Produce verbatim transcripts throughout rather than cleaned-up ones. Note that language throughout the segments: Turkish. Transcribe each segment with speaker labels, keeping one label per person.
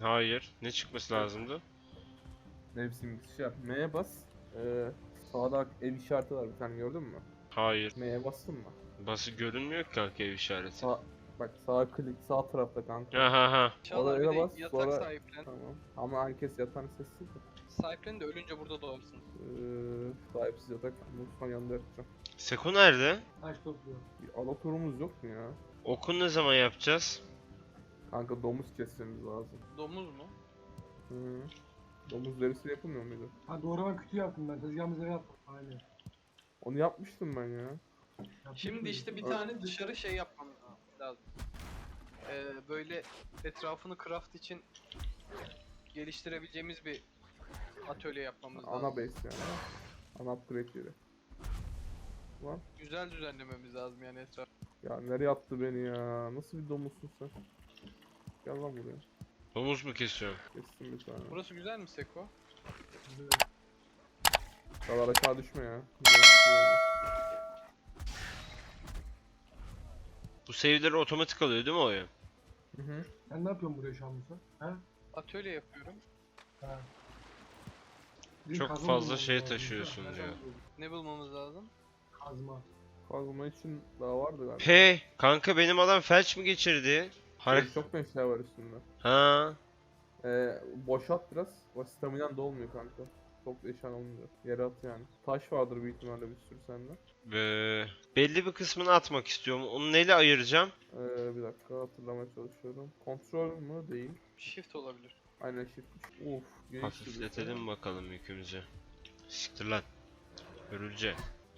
Speaker 1: Hayır. Ne çıkması lazımdı?
Speaker 2: Mevsim şey yap. M'ye bas. Ee, sağda ev işareti var bir tane, gördün mü?
Speaker 1: Hayır.
Speaker 2: M'ye bastın mı?
Speaker 1: Bası görünmüyor ki kanka ev işareti.
Speaker 2: Sağ, bak sağ klik sağ tarafta kanka.
Speaker 1: Ha ha ha.
Speaker 3: Çağlar bir
Speaker 2: Oraya
Speaker 3: de
Speaker 2: bas
Speaker 3: yatak
Speaker 2: sonra
Speaker 3: sahiplen.
Speaker 2: tamam. Ama herkes yatağını sessiz de.
Speaker 3: Sahiplen de ölünce burada doğarsın.
Speaker 2: Ee, sahipsiz yatak mutfağın yanında yatacağım.
Speaker 1: Seko nerede?
Speaker 4: Taş topluyor.
Speaker 2: Bir ada turumuz yok mu ya?
Speaker 1: Okul ne zaman yapacağız?
Speaker 2: Kanka domuz kesmemiz lazım.
Speaker 3: Domuz mu?
Speaker 2: Hı. Domuz derisi yapılmıyor muydu?
Speaker 4: Ha doğrama kütüğü yaptım ben. Tezgahımıza yaptım. Aynen.
Speaker 2: Onu yapmıştım ben ya.
Speaker 4: Yaptık
Speaker 3: Şimdi
Speaker 4: mı?
Speaker 3: işte bir
Speaker 2: Evet.
Speaker 3: tane dışarı şey yapmamız lazım. Ee, böyle etrafını craft için geliştirebileceğimiz bir atölye yapmamız lazım.
Speaker 2: Ana base yani. Ana upgrade yeri. Lan
Speaker 3: Güzel düzenlememiz lazım yani etraf.
Speaker 2: ya nereye attı beni ya? Nasıl bir domuzsun sen? Gel lan buraya.
Speaker 1: Domuz mu kesiyorum?
Speaker 2: Kestim bir tane.
Speaker 3: Burası güzel mi Seko?
Speaker 2: Kadar aşağı düşme ya. Güzel.
Speaker 1: Bu save'leri otomatik alıyor değil mi oyun?
Speaker 2: Hı hı.
Speaker 4: Sen ne yapıyorsun buraya şu an Musa? Ha?
Speaker 3: Atölye yapıyorum.
Speaker 4: Ha. Bir
Speaker 1: Çok
Speaker 4: kazma
Speaker 1: fazla
Speaker 4: bulmamız
Speaker 1: şey
Speaker 4: lazım.
Speaker 1: taşıyorsun
Speaker 4: Kazma
Speaker 1: diyor.
Speaker 4: bulalım.
Speaker 3: Ne bulmamız lazım?
Speaker 4: Kazma.
Speaker 2: Kazma için daha vardı galiba.
Speaker 1: Hey kanka benim adam felç mi geçirdi? Harek...
Speaker 2: Şey, çok meşale var üstünde.
Speaker 1: Ha.
Speaker 2: Ee, boşalt biraz. O staminan dolmuyor kanka. Çok eşan olmuyor. Yere at yani. Taş vardır büyük ihtimalle bir sürü sende.
Speaker 1: Ee, belli bir kısmını atmak istiyorum. Onu neyle ayıracağım?
Speaker 2: Ee, bir dakika hatırlamaya çalışıyorum. Kontrol mü? Değil.
Speaker 3: Shift olabilir.
Speaker 2: Aynen shift. Uf. geniş
Speaker 1: Hafifletelim bakalım yükümüzü. Siktir lan. Görülce.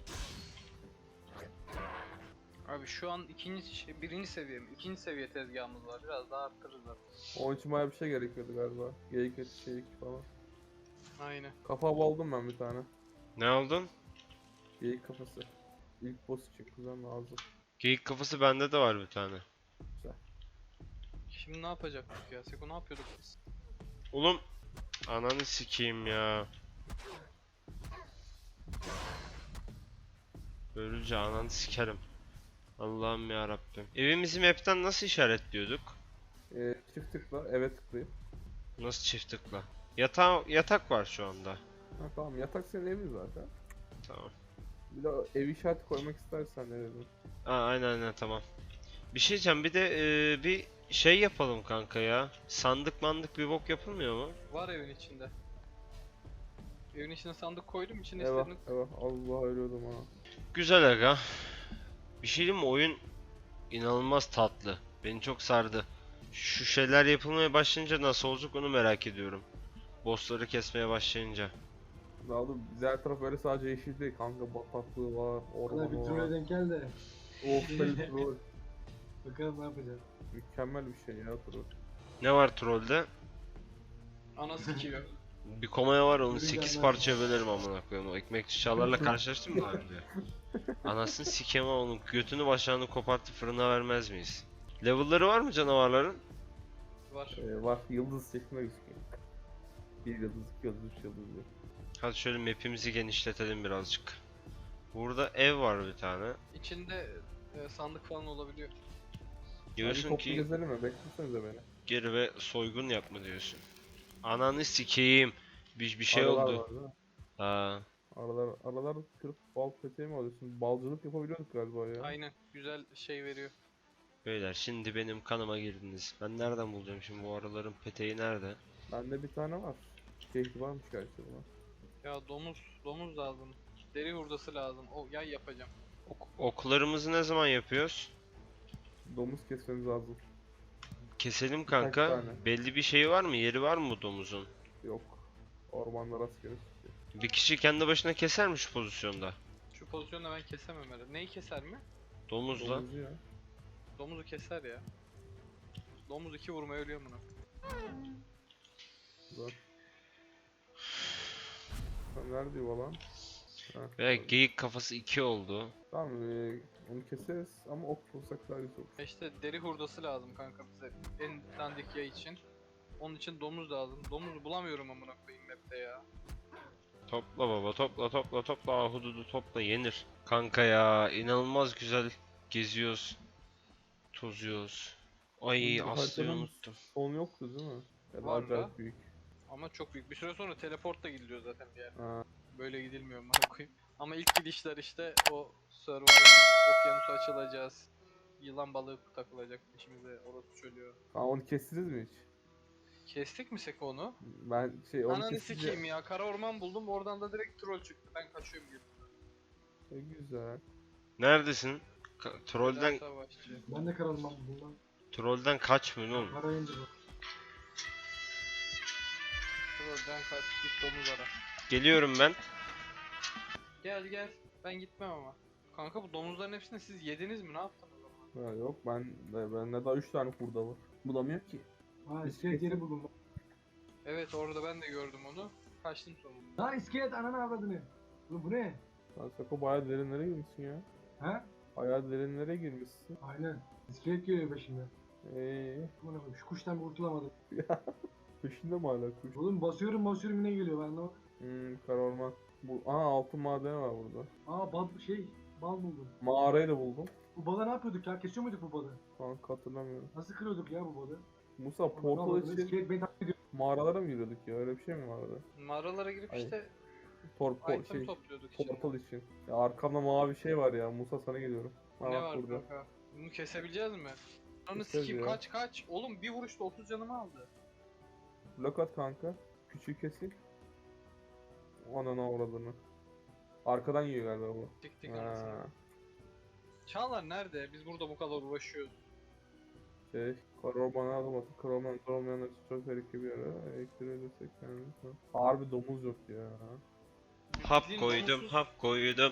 Speaker 3: Abi şu an ikinci şey, birinci seviye mi? İkinci seviye tezgahımız var. Biraz daha arttırırız zaten.
Speaker 2: Onun için bayağı bir şey gerekiyordu galiba. Geyik eti, şeylik falan.
Speaker 3: Aynen.
Speaker 2: Kafa aldım ben bir tane.
Speaker 1: Ne aldın?
Speaker 2: Geyik kafası. İlk boss için kuzen lazım.
Speaker 1: Geyik kafası bende de var bir tane.
Speaker 2: Güzel.
Speaker 3: Şimdi ne yapacaktık ya? Seko ne yapıyorduk biz?
Speaker 1: Oğlum. Ananı sikeyim ya. Görülce ananı sikerim. Allah'ım ya Rabbim. Evimizi map'ten nasıl işaretliyorduk?
Speaker 2: Ee, çift tıkla eve tıklayıp.
Speaker 1: Nasıl çift tıkla? Yatağı, yatak var şu anda.
Speaker 2: Ha tamam, yatak senin evin zaten.
Speaker 1: Tamam.
Speaker 2: Bir de ev işareti koymak istersen ne dedim.
Speaker 1: Aa, aynen aynen tamam. Bir şey diyeceğim bir de e, bir şey yapalım kanka ya. Sandık mandık bir bok yapılmıyor mu?
Speaker 3: Var evin içinde. Evin içine sandık koydum. İçine
Speaker 2: Eyvah
Speaker 3: istediğini...
Speaker 2: eyvah, Allah ölüyordum ha.
Speaker 1: Güzel aga. Bir şey diyeyim mi? Oyun inanılmaz tatlı. Beni çok sardı. Şu şeyler yapılmaya başlayınca nasıl olacak onu merak ediyorum. Bossları kesmeye başlayınca.
Speaker 2: Daha da diğer taraf öyle sadece yeşil değil kanka, bataklığı var,
Speaker 4: Bana bir
Speaker 2: ormanı
Speaker 4: trolle
Speaker 2: var.
Speaker 4: denk gel de.
Speaker 2: Of be troll.
Speaker 4: Bakalım ne yapacağız.
Speaker 2: Mükemmel bir şey ya troll.
Speaker 1: Ne var trollde?
Speaker 3: Ana sikiyor.
Speaker 1: Bir komaya var onu
Speaker 4: Yürü
Speaker 1: sekiz
Speaker 4: gelmez.
Speaker 1: parçaya bölerim amına koyayım. O ekmekçi çağlarla karşılaştın mı daha önce? Anasını sikeyim ama onun götünü başağını kopartıp fırına vermez miyiz? Level'ları var mı canavarların?
Speaker 3: Var.
Speaker 2: Ee, var, yıldız şeklinde gözüküyor. Bir yıldız, iki yıldız, üç yıldız diyor.
Speaker 1: Hadi şöyle map'imizi genişletelim birazcık. Burada ev var bir tane.
Speaker 3: İçinde e, sandık falan olabiliyor.
Speaker 2: Hadi
Speaker 1: Diyorsun
Speaker 2: toplu
Speaker 1: ki
Speaker 2: gezelim mi? Beklesenize beni.
Speaker 1: geri ve soygun yapma diyorsun. Ananı sikeyim. Bir, bir şey
Speaker 2: Aralar
Speaker 1: oldu.
Speaker 2: var değil mi?
Speaker 1: Ha.
Speaker 2: Aralar, aralar kırıp bal peteği mi alıyorsun? Balcılık yapabiliyorduk galiba ya.
Speaker 3: Aynen. Güzel şey veriyor.
Speaker 1: Beyler şimdi benim kanıma girdiniz. Ben nereden bulacağım şimdi bu araların peteği nerede?
Speaker 2: Bende bir tane var. Keyfi varmış gerçi buna.
Speaker 3: Ya domuz. Domuz lazım. Deri hurdası lazım. O yay yapacağım.
Speaker 1: Ok- oklarımızı ne zaman yapıyoruz?
Speaker 2: Domuz kesmemiz lazım.
Speaker 1: Keselim kanka.
Speaker 2: tane.
Speaker 1: Belli bir şey var mı? Yeri var mı bu domuzun?
Speaker 2: Yok. Ormanlar rastgele çıkıyor.
Speaker 1: Bir kişi kendi başına keser mi şu pozisyonda?
Speaker 3: Şu pozisyonda ben kesemem herhalde. Neyi keser mi?
Speaker 1: Domuzla.
Speaker 2: Domuzu ya.
Speaker 3: Domuzu keser ya. Domuz iki vurmaya ölüyor bunu.
Speaker 2: Güzel. Sen nerede yuva lan? Ha,
Speaker 1: Ve
Speaker 2: doğru.
Speaker 1: geyik kafası iki oldu.
Speaker 2: Tamam, ee, onu keseriz ama ok bulsak daha güzel olur.
Speaker 3: E İşte deri hurdası lazım kanka bize. En dandik yay için. Onun için domuz lazım. Domuz bulamıyorum amına koyayım map'te ya.
Speaker 1: Topla baba topla topla topla ahududu topla yenir. Kanka ya inanılmaz güzel geziyoruz. Tozuyoruz. Ay
Speaker 2: Bu
Speaker 1: Aslı'yı
Speaker 2: haritanın
Speaker 1: unuttum.
Speaker 2: Son yoktu değil mi? Ya da
Speaker 3: Var da.
Speaker 2: acayip büyük.
Speaker 3: Ama çok büyük. Bir süre sonra teleportla gidiliyor zaten bir yer.
Speaker 2: Ha.
Speaker 3: Böyle gidilmiyor bana koyayım. Ama ilk gidişler işte o Survival okyanusu açılacağız. Yılan balığı takılacak içimize, orası çölüyor.
Speaker 2: Ha, onu kestiniz mi hiç?
Speaker 3: Kestik mi Seko onu?
Speaker 2: Ben şey onu
Speaker 3: Ananı
Speaker 2: kesince...
Speaker 3: sikeyim ya, kara orman buldum, oradan da direkt troll çıktı. Ben kaçıyorum geri.
Speaker 2: E, güzel.
Speaker 1: Neredesin? Ka- trollden
Speaker 3: Güzel savaşçı.
Speaker 4: Ben de karalım ben bundan.
Speaker 1: trollden kaçmıyorsun oğlum.
Speaker 4: Para indi bu.
Speaker 3: Trollden kaç, git domuz ara.
Speaker 1: Geliyorum ben.
Speaker 3: Gel gel, ben gitmem ama. Kanka bu domuzların hepsini siz yediniz mi? Ne yaptınız o zaman?
Speaker 2: Ha, yok ben bende daha üç tane kurda var. Bulamıyor ki.
Speaker 4: Ha
Speaker 2: Biz
Speaker 4: iskelet
Speaker 2: kesin-
Speaker 4: yeri buldum.
Speaker 3: Evet, orada ben de gördüm onu. Kaçtım sonunda.
Speaker 4: Ha iskelet ananı avradını. Oğlum bu ne?
Speaker 2: Lan Sako bayağı derinlere girmişsin ya.
Speaker 4: Ha?
Speaker 2: Bayağı derinlere girmişsin.
Speaker 4: Aynen. İskelet geliyor peşimden.
Speaker 2: Eee
Speaker 4: Aman Allah'ım, şu kuştan bir kurtulamadım.
Speaker 2: peşinde mi hala kuş?
Speaker 4: Oğlum basıyorum basıyorum yine geliyor ben de.
Speaker 2: Hmm, kara orman. Bu, aha altın madeni var burada.
Speaker 4: Aa bal şey bal buldum.
Speaker 2: Mağarayı da buldum.
Speaker 4: Bu balı ne yapıyorduk ya? Kesiyor muyduk bu balı?
Speaker 2: Kanka hatırlamıyorum.
Speaker 4: Nasıl kırıyorduk ya bu balı?
Speaker 2: Musa
Speaker 4: Aman
Speaker 2: portal
Speaker 4: Allah'ım,
Speaker 2: için
Speaker 4: İskelet beni takip ediyor.
Speaker 2: mağaralara mı giriyorduk ya? Öyle bir şey mi vardı?
Speaker 3: Mağaralara girip
Speaker 2: Ay,
Speaker 3: işte
Speaker 2: Torpol
Speaker 3: item
Speaker 2: şey
Speaker 3: topluyorduk içinde.
Speaker 2: portal için. Ya arkamda mavi şey var ya. Musa sana geliyorum. Ha,
Speaker 3: Ne
Speaker 2: bak
Speaker 3: var
Speaker 2: burada.
Speaker 3: kanka? Bunu kesebileceğiz mi? Ananı
Speaker 2: Keseriz
Speaker 3: sikeyim,
Speaker 2: ya.
Speaker 3: kaç kaç. Oğlum bir vuruşta otuz canımı aldı.
Speaker 2: Blok at kanka. Küçüğü kesin. Ananı avradını. Arkadan yiyor galiba bu.
Speaker 3: Tik tik anasını.
Speaker 2: Ha,
Speaker 3: Çağlar nerede? Biz burada bu kadar uğraşıyoruz.
Speaker 2: şey, kara ormana adım atıp kara orman olmayanlar için çok tehlikeli bir ara. Elektriğe kendini. Harbi domuz yok ya.
Speaker 1: Hap
Speaker 3: Bildiğin
Speaker 1: koydum,
Speaker 3: domuzsuz-
Speaker 1: hap koydum.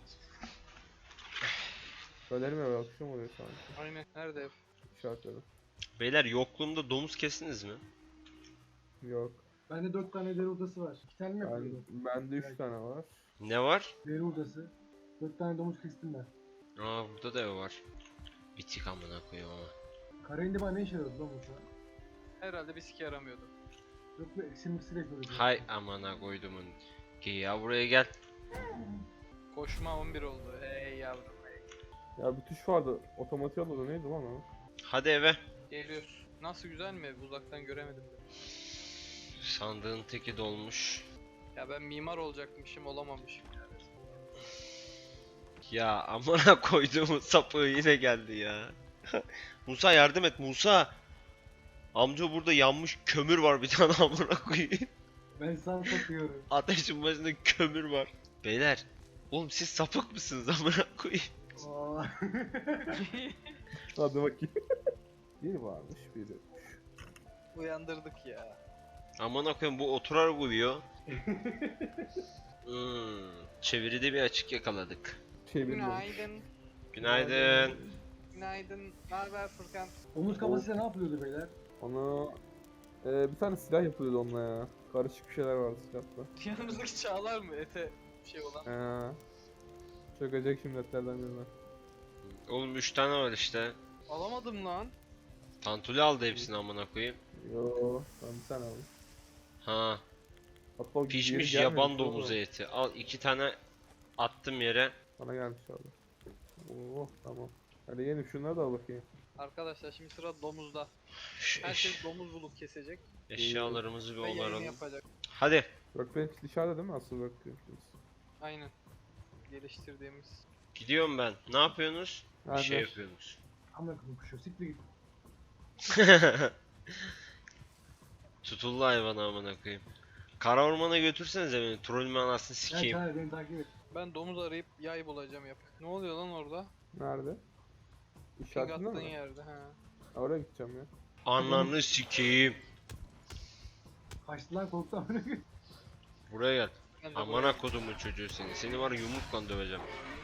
Speaker 2: Söylerim ya akşam oluyor sanki.
Speaker 3: Aynen. Nerede ev?
Speaker 2: İşaretledim.
Speaker 1: Beyler yokluğumda domuz kestiniz mi?
Speaker 2: Yok.
Speaker 4: Bende dört tane deri odası var. İki tane mi
Speaker 2: Ben,
Speaker 4: yapıyordum?
Speaker 2: bende üç
Speaker 4: Evet.
Speaker 2: tane var.
Speaker 1: Ne var?
Speaker 4: Deri odası. Dört tane domuz kestim ben.
Speaker 1: Aa burada da ev var. Bitik amına koyayım ama.
Speaker 4: Kara indi bana ne işe yarıyordu lan bu şu an?
Speaker 3: Herhalde bir sike yaramıyordu.
Speaker 4: Yok mu eksil miksir yapıyorduk.
Speaker 1: Hay amına koydumun. Gel ya buraya gel.
Speaker 3: Koşma on bir oldu. Hey yavrum.
Speaker 2: Ya bir tuş vardı. Otomatik alıyordu. Neydi lan o?
Speaker 1: Hadi eve.
Speaker 3: Geliyoruz. Nasıl, güzel mi ev? Uzaktan göremedim de.
Speaker 1: Sandığın teki dolmuş.
Speaker 3: Ya ben mimar olacakmışım, olamamışım yani.
Speaker 1: Ya amına koyduğumun sapığı yine geldi ya. Musa yardım et Musa. Amca burada yanmış kömür var bir tane amına koyayım.
Speaker 4: Ben sana takıyorum.
Speaker 1: Ateşin başında kömür var. Beyler, oğlum siz sapık mısınız amına koyayım?
Speaker 4: Aa.
Speaker 2: Hadi bakayım. Bir varmış biri yokmuş.
Speaker 3: Uyandırdık ya.
Speaker 1: Amına koyayım bu oturar uyuyor. Hmm, çeviride bir açık yakaladık.
Speaker 2: Çeviriyorum.
Speaker 3: Günaydın.
Speaker 1: Günaydın.
Speaker 3: Günaydın. Ne haber Furkan?
Speaker 4: Omuz kafasıyla ne yapıyordu beyler?
Speaker 2: Ona e, bir tane silah yapılıyordu onunla ya. Karışık bir şeyler vardı silahta.
Speaker 3: Yanımızdaki Çağlar mı? Ete bir şey olan.
Speaker 2: Ee, çökecek şimdi etlerden birine.
Speaker 1: Oğlum üç tane var işte.
Speaker 3: Alamadım lan.
Speaker 1: Tantuli aldı hepsini amına koyayım.
Speaker 2: Yo, ben bir tane aldım.
Speaker 1: Ha,
Speaker 2: Hatta o
Speaker 1: pişmiş
Speaker 2: geri
Speaker 1: yaban
Speaker 2: gelmemiş,
Speaker 1: domuzu
Speaker 2: oğlum.
Speaker 1: eti. Al iki tane attım yere.
Speaker 2: Bana gelmiş abi. Oo tamam. Hadi yenim şunları da al bakayım.
Speaker 3: Arkadaşlar şimdi sıra domuzda.
Speaker 1: Şu eş-
Speaker 3: Herkes domuz bulup kesecek
Speaker 1: eşyalarımızı bir
Speaker 3: ve yayın
Speaker 1: onaralım.
Speaker 3: yapacak.
Speaker 1: Hadi.
Speaker 2: Workbench dışarıda değil mi asıl workbench?
Speaker 3: Aynen. Geliştirdiğimiz.
Speaker 1: Gidiyorum ben. Ne yapıyorsunuz? Bir
Speaker 2: Hadi.
Speaker 1: şey yapıyorsunuz.
Speaker 4: Amına koyayım kuşu siktir git.
Speaker 1: Tutuldu hayvan amına koyayım. Kara ormana götürsenize beni. Trollümü anasını
Speaker 4: Gel
Speaker 1: sikeyim.
Speaker 4: çağır beni takip et.
Speaker 3: Ben domuz arayıp yay bulacağım yap. Ne oluyor lan orada?
Speaker 2: Nerede?
Speaker 3: Ping
Speaker 2: İşaretinde
Speaker 3: attığın
Speaker 2: mi?
Speaker 3: yerde ha.
Speaker 2: Oraya gideceğim ya.
Speaker 1: Ananı sikeyim.
Speaker 4: Kaçtı lan korktu amına koyayım.
Speaker 1: Buraya gel.
Speaker 3: Ben de buraya-
Speaker 1: Amına kodumun çocuğu seni. Seni var ya yumrukla döveceğim.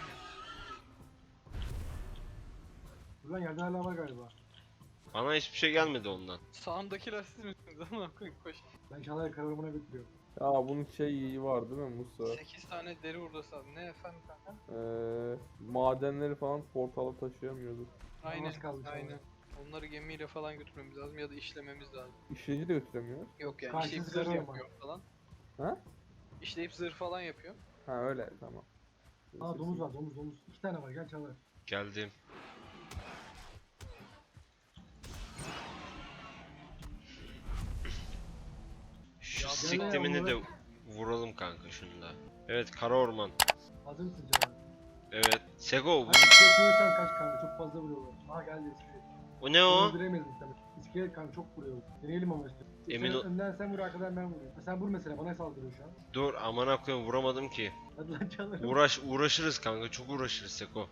Speaker 4: Buradan yerde hala var galiba.
Speaker 1: Bana hiçbir şey gelmedi ondan.
Speaker 3: Sağımdakiler siz misiniz? Ama koy koş.
Speaker 4: Ben Çağlar'ı kara ormana götürüyorum.
Speaker 2: Ya bunun şey iyi var değil mi Musa?
Speaker 3: sekiz tane deri hurdası aldım. Ne efendim kanka?
Speaker 2: Ee, madenleri falan portala taşıyamıyorduk.
Speaker 3: Aynen.
Speaker 4: Nasıl kaldı Çağlar?
Speaker 3: Aynen. Onları gemiyle falan götürmemiz lazım ya da işlememiz lazım.
Speaker 2: İşleyici de götüremiyor.
Speaker 3: Yok yani
Speaker 4: Karşısı
Speaker 3: işleyip zırh
Speaker 4: zırh
Speaker 3: yapıyor falan.
Speaker 2: Ha?
Speaker 3: İşleyip zırh falan yapıyor.
Speaker 2: Ha öyle tamam.
Speaker 4: Aa domuz var domuz domuz. İki tane var gel Çağlar.
Speaker 1: Geldim. siktimini de vuralım kanka şunu da. Evet, kara orman.
Speaker 4: Hazır mısın Çağlar?
Speaker 1: Evet. Seko bu,
Speaker 4: Hadi iskelet görürsen kaç kanka, çok fazla vuruyorlar. Aha geldi iskelet.
Speaker 1: o ne o?
Speaker 4: Öldüremeyiz muhtemelen. İskelet kanka çok vuruyor. Deneyelim ama işte.
Speaker 1: Emin
Speaker 4: Sen
Speaker 1: ol-
Speaker 4: önden sen vur, arkadan ben vuruyorum. Sen vur mesela, bana saldırıyor şu an.
Speaker 1: Dur, amına koyayım, vuramadım ki.
Speaker 4: Hadi lan Çağlar.
Speaker 1: Uğraş uğraşırız kanka, çok uğraşırız Seko.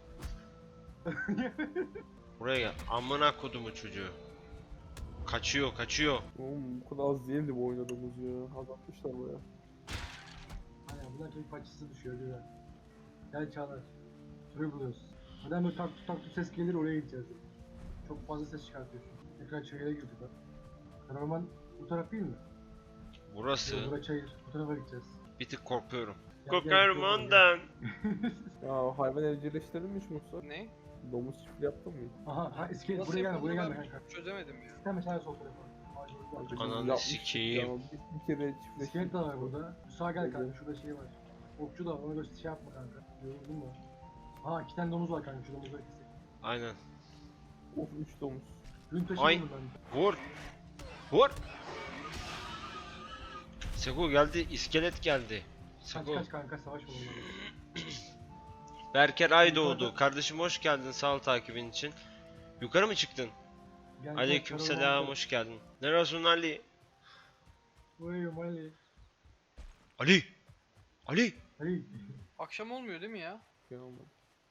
Speaker 1: Buraya gel. Amına kodumu çocuğu. Kaçıyor, kaçıyor.
Speaker 2: Oğlum bu kadar az değildi bu oynadığımız ya. Azaltmışlar baya.
Speaker 4: Aynen, buradan keyif parçası düşüyor güzel. Gel Çağlar. Şurayı buluyoruz. Neden böyle tak tut tak tut ses gelir, oraya gideceğiz. Çok fazla ses çıkartıyorsun. Tekrar çayıra girdik bak. Karaman bu taraf değil mi?
Speaker 1: Burası.
Speaker 4: Yok, bura çayır. Bu tarafa gideceğiz.
Speaker 1: Bir tık korkuyorum.
Speaker 4: Gel, gel,
Speaker 1: Korkarım
Speaker 4: gel, gel.
Speaker 1: ondan.
Speaker 2: Ya hayvan evcilleştirdin mi hiç Musa?
Speaker 3: Ne?
Speaker 2: Domuz çiftliği yaptın mı?
Speaker 4: Aha, ha iskelet
Speaker 3: Nasıl
Speaker 4: buraya gelme, buraya
Speaker 3: yapıldığını
Speaker 4: gelme
Speaker 3: ben
Speaker 4: kanka.
Speaker 3: çözemedim ya.
Speaker 4: Hemen çay sol tarafa. Hadi,
Speaker 2: Kanka
Speaker 4: hadi.
Speaker 2: biz
Speaker 1: Ananı
Speaker 2: yapmıştık
Speaker 1: sikeyim.
Speaker 2: ya, Bir, bir kere çiftleştik.
Speaker 4: İskelet de var burada. Sağa gel kanka, şurada şey var. Okçu da var, ona göre şey yapma kanka. Yoruldun mu? Ha, iki tane domuz var kanka, şu domuzları kesek.
Speaker 1: Aynen.
Speaker 2: Of üç domuz.
Speaker 4: Gün taşı
Speaker 1: Ay.
Speaker 4: buldum ben.
Speaker 1: Vur. Vur. Seko geldi, iskelet geldi.
Speaker 4: Kaç
Speaker 1: Seko.
Speaker 4: kaç kanka, savaş var onlarla.
Speaker 1: Berker Aydoğdu. Kardeşim hoş geldin, sağ ol takibin için. Yukarı mı çıktın?
Speaker 4: Gel, gel,
Speaker 1: Aleykümselam,
Speaker 4: karavan-
Speaker 1: hoş geldin. Neresin Ali?
Speaker 4: Uyuyorum Ali.
Speaker 1: Ali. Ali.
Speaker 4: Ali.
Speaker 3: Akşam olmuyor değil mi ya?
Speaker 2: Şey olmadı.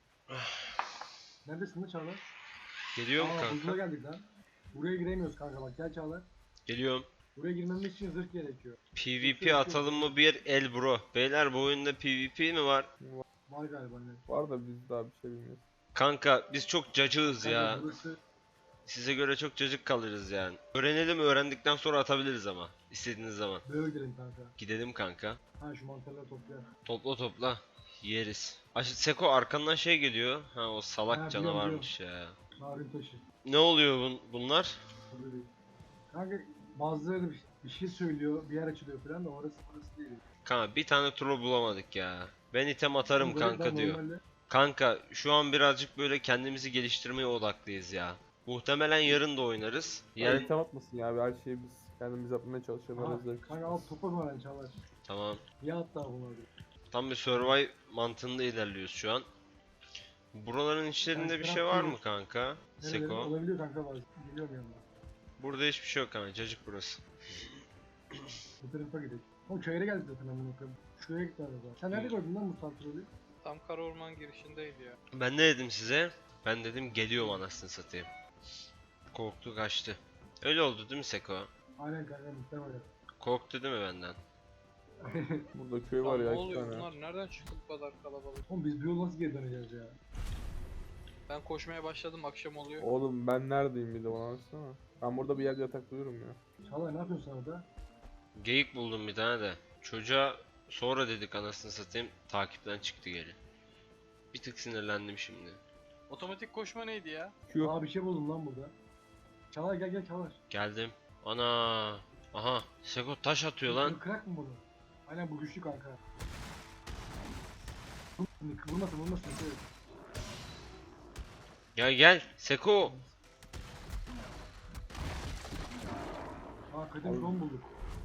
Speaker 4: Neredesin lan Çağlar?
Speaker 1: Geliyorum
Speaker 4: Aa, buzula
Speaker 1: kanka.
Speaker 4: geldik lan. Buraya giremiyoruz kanka, bak gel Çağlar.
Speaker 1: Geliyorum.
Speaker 4: Buraya girmemiz için zırh gerekiyor.
Speaker 1: PvP atalım mı bir el bro? Beyler bu oyunda PvP mi var?
Speaker 4: Var galiba ne?
Speaker 2: Var da biz daha bir şey bilmiyoruz.
Speaker 1: Kanka biz çok cacığız
Speaker 4: Kanka
Speaker 1: ya.
Speaker 4: burası
Speaker 1: Size göre çok cacık kalırız yani. Öğrenelim, öğrendikten sonra atabiliriz ama. İstediğiniz zaman.
Speaker 4: böyle gidelim kanka.
Speaker 1: Gidelim kanka.
Speaker 4: Ha, şu mantarları toplayalım.
Speaker 1: Topla topla. Yeriz. Aş Seko arkandan şey geliyor. Ha, o salak
Speaker 4: Ha, biliyorum,
Speaker 1: canavarmış ya.
Speaker 4: Narin taşı.
Speaker 1: Ne oluyor bun bunlar?
Speaker 4: Burada değil. Kanka bazıları bir, bir şey söylüyor, bir yer açılıyor falan da orası orası değil.
Speaker 1: Kanka bir tane troll bulamadık ya. Ben item atarım
Speaker 4: Böyle
Speaker 1: kanka
Speaker 4: ben
Speaker 1: diyor.
Speaker 4: normalde-
Speaker 1: Kanka şu an birazcık böyle kendimizi geliştirmeye odaklıyız ya. Muhtemelen yarın da oynarız.
Speaker 2: Yani...
Speaker 1: Yarın...
Speaker 2: item atmasın ya, her şeyi biz kendimiz yapmaya çalışalım.
Speaker 4: Ha,
Speaker 2: Arada
Speaker 4: kanka al topa mı öğren Çağlar?
Speaker 1: Tamam.
Speaker 4: Ya hatta bunlar.
Speaker 1: Tam bir survive mantığında ilerliyoruz şu an. Buraların içlerinde
Speaker 4: Ben
Speaker 1: bir şey
Speaker 4: taraf
Speaker 1: var mı
Speaker 4: değilim.
Speaker 1: kanka?
Speaker 4: Nereleri
Speaker 1: Seko.
Speaker 4: olabiliyor kanka bazen. Geliyorum yanına.
Speaker 1: Burada hiçbir şey yok kanka. Cacık burası.
Speaker 4: Bu tarafa gidelim. O çayıra geldik zaten amına koyayım. Şuraya git galiba. Sen nerede gördün lan bu santrolü?
Speaker 3: Tam kara orman girişindeydi ya.
Speaker 1: Ben ne dedim size? Ben dedim geliyorum anasını satayım. Korktu kaçtı. Öyle oldu değil mi Seko?
Speaker 4: Aynen kanka, muhtemelen.
Speaker 1: Korktu değil mi benden?
Speaker 2: burada köy
Speaker 3: Lan
Speaker 2: var
Speaker 3: ne
Speaker 2: ya iki
Speaker 3: oluyor
Speaker 2: tane.
Speaker 3: bunlar? Nereden çıktı bu kadar kalabalık?
Speaker 4: Oğlum biz bu yol nasıl geri döneceğiz ya?
Speaker 3: Ben koşmaya başladım, akşam oluyor.
Speaker 2: Oğlum ben neredeyim bir de bana baksana. Ben burada bir yerde yataklıyorum ya.
Speaker 4: Çağlar ne yapıyorsun sen orada?
Speaker 1: Geyik buldum bir tane de. Çocuğa sonra dedik anasını satayım. Takipten çıktı geri. Bir tık sinirlendim şimdi.
Speaker 3: Otomatik koşma neydi ya?
Speaker 2: Q.
Speaker 4: Aa, bir şey buldum lan burada. Çağlar gel gel Çağlar.
Speaker 1: Geldim. Ana. Aha. Seko taş atıyor lan.
Speaker 4: Bunu kırak mı bunu? Aynen, bu güçlü kanka. Vurmasın vurmasın. Evet.
Speaker 1: Gel gel. Seko.
Speaker 4: Aa, kadın don bulduk.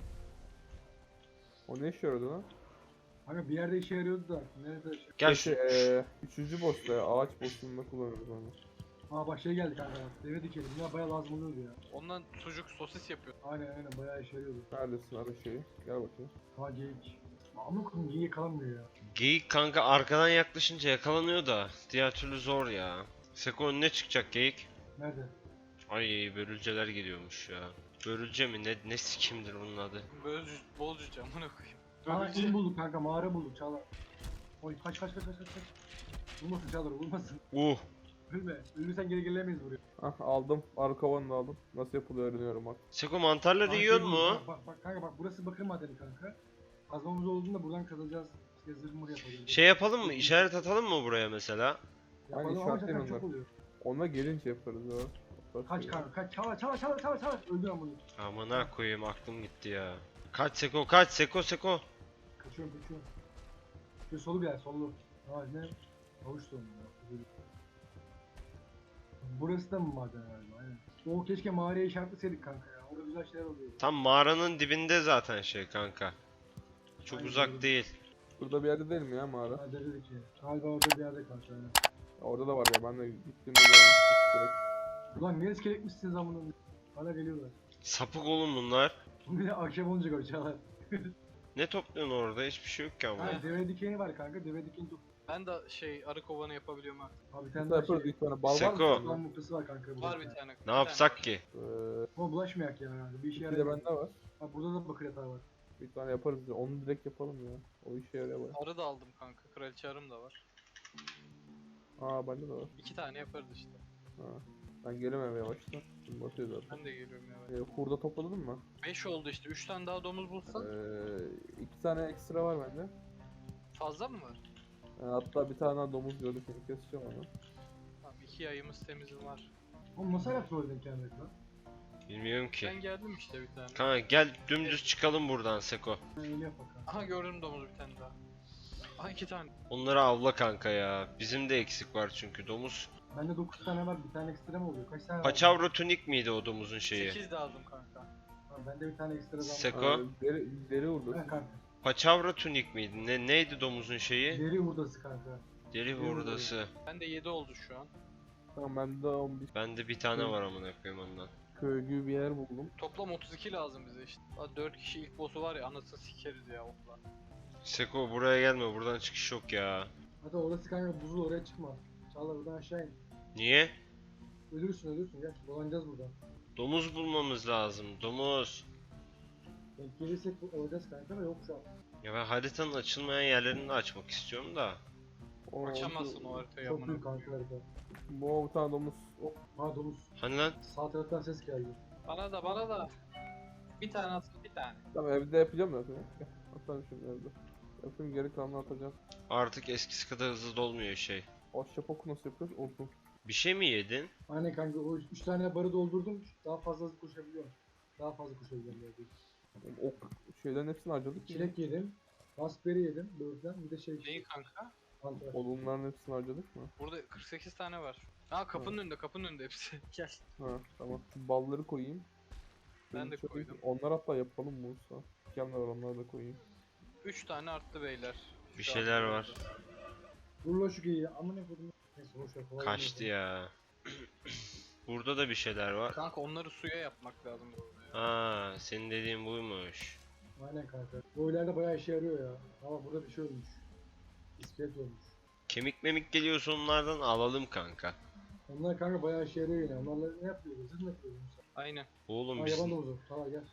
Speaker 2: O ne işe yaradı lan?
Speaker 4: Kanka bir yerde işe yarıyordu da. Nerede? Şey...
Speaker 1: Gel
Speaker 2: Şey,
Speaker 1: şu.
Speaker 2: eee, üçüncü boss'ta ya, ağaç boss'unda kullanıyoruz onu.
Speaker 4: Aa bak şey geldi kanka. Deve dikelim. Ya bayağı lazım oluyordu ya.
Speaker 3: Ondan sucuk sosis yapıyor.
Speaker 4: Aynen aynen, bayağı işe yarıyordu.
Speaker 2: Neredesin ara şeyi? Gel bakayım.
Speaker 4: Ha geyik. Ama koyayım, geyiğe yakalanmıyor ya.
Speaker 1: Geyik kanka arkadan yaklaşınca yakalanıyor da. Diğer türlü zor ya. Seko önüne çıkacak geyik.
Speaker 4: Nerede?
Speaker 1: Ay börülceler geliyormuş ya. Börülce mi ne ne sikimdir bunun adı?
Speaker 3: Bözcü, bolcuca amına koyayım.
Speaker 4: Aa
Speaker 3: Bölücü.
Speaker 4: in bulduk kanka, mağara bulduk Çağlar. Oy kaç kaç kaç kaç kaç kaç. Vurmasın Çağlar, vurmasın.
Speaker 1: Uh.
Speaker 4: Ölme. Ölürsen geri gelemeyiz buraya.
Speaker 2: Ah aldım. Arka kovanı da aldım. Nasıl yapılıyor öğreniyorum bak.
Speaker 1: Seko mantarları
Speaker 4: Aa,
Speaker 1: yiyor
Speaker 4: şey
Speaker 1: mu?
Speaker 4: bulduk. Bak, bak bak kanka, bak burası bakır madeni kanka. Kazmamız olduğunda buradan kazacağız. İşte zırh mır yapacağız.
Speaker 1: Şey yapalım mı? İşaret atalım mı buraya mesela?
Speaker 4: Yapalım
Speaker 2: Hani
Speaker 4: ama
Speaker 2: işaretleyin
Speaker 4: zaten çok
Speaker 2: onları.
Speaker 4: oluyor.
Speaker 2: Onunla gelince yaparız ya. Bak
Speaker 4: Kaç
Speaker 2: ya.
Speaker 4: kanka kaç. Çağlar Çağlar Çağlar Çağlar Çağlar. Öldür ama bunu.
Speaker 1: Amına koyayım aklım gitti ya. Kaç Seko kaç Seko Seko.
Speaker 4: Kaçıyorum kaçıyorum. Şöyle solu bir yer, sollu. Ha ne? Havuç sonu ya. Burası da mı maden galiba? Aynen. O keşke mağaraya işaretleseydik kanka ya. Orada güzel şeyler oluyor.
Speaker 1: Tam mağaranın dibinde zaten şey kanka. Çok
Speaker 4: Aynen,
Speaker 1: uzak
Speaker 4: doğru.
Speaker 1: değil.
Speaker 2: Burada bir yerde değil mi ya mağara?
Speaker 4: Ha dedik ki. Galiba orada bir yerde kanka. Yani.
Speaker 2: Ya orada da var ya, ben de gittiğimde görmüştüm direkt.
Speaker 4: Ulan ne iskeletmişsiniz amına. Hala geliyorlar.
Speaker 1: Sapık oğlum bunlar.
Speaker 4: Bir de akşam olunca koşarlar.
Speaker 1: Ne topluyorsun orada? Hiçbir şey yok ki ama.
Speaker 4: Ha deve dikeni var kanka. Deve dikeni top.
Speaker 3: Ben de şey arı kovanı yapabiliyorum artık.
Speaker 4: Abi bir
Speaker 2: Bir
Speaker 4: tane
Speaker 2: tane
Speaker 4: daha
Speaker 2: yaparız
Speaker 4: şey.
Speaker 2: ilk tane. Bal var mı?
Speaker 1: Seko.
Speaker 2: sende?
Speaker 4: Lan muhtası var kanka. burada
Speaker 3: Var
Speaker 4: bir
Speaker 3: bir
Speaker 4: tane.
Speaker 3: tane.
Speaker 1: Ne yapsak ki?
Speaker 2: Ee,
Speaker 4: Ama bulaşmayak ya yani. Bir işe
Speaker 2: iki de
Speaker 4: yaramıyor.
Speaker 2: bende var.
Speaker 4: Ha burada da bakır yatağı var.
Speaker 2: Bir tane yaparız ya. Onu direkt yapalım ya. O işe yarıyor baya.
Speaker 3: Arı da aldım kanka. Kraliçe arım da var.
Speaker 2: Aa bende de var.
Speaker 3: İki tane yaparız işte.
Speaker 2: Ha. Ben geliyorum eve yavaştan. Şimdi batıyor zaten.
Speaker 3: Ben de geliyorum ya.
Speaker 2: Ee, hurda topladın mı?
Speaker 3: Beş oldu işte. Üç tane daha domuz bulsan.
Speaker 2: Ee, iki tane ekstra var bende.
Speaker 3: Fazla mı var?
Speaker 2: Ee, hatta bir tane daha domuz gördüm. Şimdi keseceğim onu.
Speaker 3: Tamam iki yayımız temizim var.
Speaker 4: Oğlum nasıl hala trolledin kendini lan?
Speaker 1: Bilmiyorum ki.
Speaker 3: Ben geldim işte bir tane.
Speaker 1: Kanka gel dümdüz çıkalım buradan Seko.
Speaker 4: Ben yeni yap bakalım.
Speaker 3: Aha gördüm domuz bir tane daha. Aha iki tane.
Speaker 1: Onları avla kanka ya. Bizim de eksik var çünkü domuz.
Speaker 4: Bende dokuz tane var. Bir tane ekstra mı oluyor? Kaç tane var?
Speaker 1: Paçavra tunik miydi o domuzun şeyi?
Speaker 3: Sekiz de aldım kanka.
Speaker 4: Ha, bende bir tane ekstra daha var.
Speaker 1: Seko.
Speaker 2: Aa, deri, deri hurdası.
Speaker 4: Ha kanka.
Speaker 1: Paçavra tunik miydi? Ne neydi domuzun şeyi?
Speaker 4: Deri hurdası kanka.
Speaker 1: Deri hurdası.
Speaker 3: Bende yedi oldu şu an.
Speaker 2: Tamam bende on bir
Speaker 1: Bende bir tane var amına koyayım ondan.
Speaker 2: köylü bir yer buldum.
Speaker 3: Toplam otuz iki lazım bize işte. Daha dört kişi ilk boss'u var ya anasını sikeriz ya okla.
Speaker 1: Seko buraya gelme, buradan çıkış yok ya.
Speaker 4: Hadi orası kanka buzul, oraya çıkma. Çağla buradan aşağı in.
Speaker 1: Niye?
Speaker 4: Ölürsün ölürsün gel. Dolanacağız buradan.
Speaker 1: Domuz bulmamız lazım, domuz.
Speaker 4: Denk gelirsek bu- olacağız kanka da yok şu an.
Speaker 1: Ya ben haritanın açılmayan yerlerini de açmak istiyorum da.
Speaker 2: Oo,
Speaker 3: Açamazsın o haritayı
Speaker 4: Çok
Speaker 3: amına
Speaker 4: büyük
Speaker 3: koyayım.
Speaker 4: kanka harita.
Speaker 2: Bu bir tane domuz. Hop.
Speaker 4: Ha domuz.
Speaker 1: Hani lan?
Speaker 4: Sağ taraftan ses geldi.
Speaker 3: Bana da bana da. Bir tane atsın bir tane.
Speaker 2: Tamam evde yapacağım zaten. Gel, atarım şimdi evde. Yapayım, geri kalanını atacağım.
Speaker 1: Artık eskisi kadar hızlı dolmuyor şey.
Speaker 2: Ahşap nasıl yapıyoruz? Olsun.
Speaker 1: Bir şey mi yedin?
Speaker 4: Aynen kanka o üç tane barı doldurdum. Daha fazla hızlı koşabiliyorum. Daha fazla koşabiliyorum böyle.
Speaker 2: Ok şeylerin hepsini harcadık ya.
Speaker 4: Çilek yedim. Raspberry yedim. Böğürtlen bir de şey.
Speaker 3: Neyi kanka?
Speaker 4: Mantar.
Speaker 2: Odunların hepsini harcadık mı?
Speaker 3: Burada kırk sekiz tane var. Ha kapının önünde kapının önünde hepsi. Gel.
Speaker 2: Ha tamam. Balları koyayım.
Speaker 3: Ben de
Speaker 2: Şöyle-
Speaker 3: koydum.
Speaker 2: Onlar hatta yapalım Musa. Dükkanlar var, onları da koyayım.
Speaker 3: üç tane arttı beyler.
Speaker 1: Bir
Speaker 3: Şu
Speaker 1: şeyler
Speaker 3: an-
Speaker 1: var.
Speaker 4: Dur lan şu geyiği. Aman ne kodum. Neyse boş ver. kolay
Speaker 1: Kaçtı
Speaker 4: gelsin.
Speaker 1: ya. Burada da bir şeyler var.
Speaker 3: Kanka onları suya yapmak lazım.
Speaker 1: Ha, senin dediğin buymuş.
Speaker 4: Aynen kanka. Bu ileride bayağı işe yarıyor ya. Ama burada bir şey olmuş. İskelet olmuş.
Speaker 1: Kemik memik geliyorsa onlardan alalım kanka.
Speaker 4: Onlar kanka bayağı işe yarıyor yine. Onlarla ne yapıyoruz? Zırh mı yapıyoruz?
Speaker 3: Aynen.
Speaker 1: Oğlum
Speaker 4: Ha
Speaker 1: biz...
Speaker 4: yaban domuzu. Tamam gel.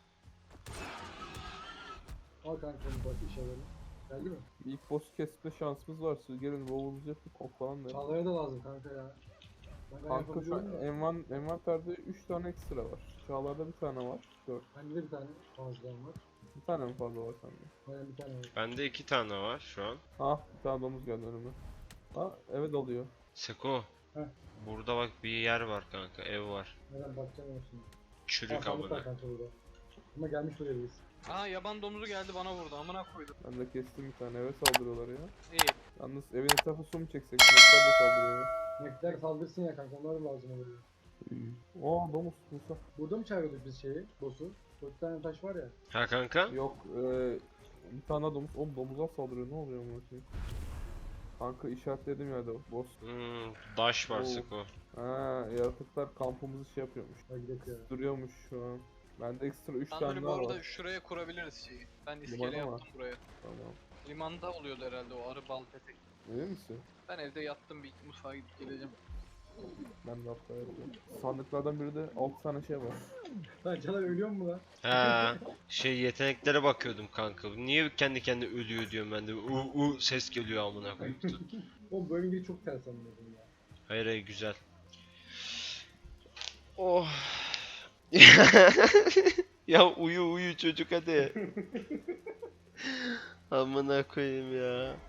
Speaker 4: Al kanka onu bak işaretini. Geldi mi?
Speaker 2: Bir ilk boss kesme şansımız var. Siz gelin bowl'unuzu yapıp ok falan da.
Speaker 4: Çağlar'a da lazım kanka ya. Ben
Speaker 2: Kanka şu
Speaker 4: yapabiliyorum
Speaker 2: an
Speaker 4: da.
Speaker 2: envan, envanterde üç tane ekstra var. Çağlar'da bir tane var. dört.
Speaker 4: Bende de bir tane fazladan var.
Speaker 2: Bir tane mi fazla var sende?
Speaker 4: Aynen bir tane var.
Speaker 1: Bende iki tane var şu an.
Speaker 2: Ah bir tane domuz geldi önüme. Ha evet oluyor.
Speaker 1: Seko.
Speaker 4: Heh.
Speaker 1: Burada bak bir yer var kanka, ev var.
Speaker 4: Neden bakacağım olsun.
Speaker 1: Çürük
Speaker 4: sandık var
Speaker 1: amına.
Speaker 4: kanka burada. Ama gelmiş buraya biz.
Speaker 3: Aa yaban domuzu geldi bana vurdu amına koydum.
Speaker 2: Ben de kestim bir tane, eve saldırıyorlar ya.
Speaker 3: İyi.
Speaker 2: Yalnız evin etrafı su mu çeksek? Sinekler de saldırıyor.
Speaker 4: Nektar saldırsın ya kanka onlar da lazım olur. ya.
Speaker 2: Aa domuz Musa.
Speaker 4: Burada mı çağırıyorduk biz şeyi? Boss'u? Dört tane taş var ya.
Speaker 1: Ha kanka?
Speaker 2: Yok e, bir tane daha domuz. Oğlum domuzlar saldırıyor, ne oluyor bu şey? Kanka işaretlediğim yerde boss.
Speaker 1: Hmm, daş var
Speaker 2: Oo.
Speaker 1: Seko.
Speaker 2: Ha yaratıklar kampımızı şey yapıyormuş.
Speaker 4: Hadi gidelim ya.
Speaker 2: Duruyormuş şu an. Bende ekstra üç
Speaker 3: Sanırım
Speaker 2: tane
Speaker 3: bu
Speaker 2: daha
Speaker 3: arada
Speaker 2: var.
Speaker 3: şuraya kurabiliriz şeyi. Ben iskele
Speaker 2: Limana mı?
Speaker 3: yaptım buraya.
Speaker 2: Tamam.
Speaker 3: Limanda oluyordu herhalde o arı bal petek.
Speaker 2: Emin misin?
Speaker 3: Ben evde yattım bir mutfağa gidip geleceğim.
Speaker 2: Ben de hatta yapıyorum. Sandıklardan biri de altı tane şey var.
Speaker 4: Lan Caner ölüyor mu lan?
Speaker 1: Ha, şey yeteneklere bakıyordum kanka. Niye kendi kendine ölüyor diyorum ben de. U u ses geliyor amına koyayım.
Speaker 4: Oğlum bu evin biri çok ters anladım ya.
Speaker 1: Hayır hayır güzel. Oh. Ya uyu uyu çocuk hadi. Amına koyayım ya.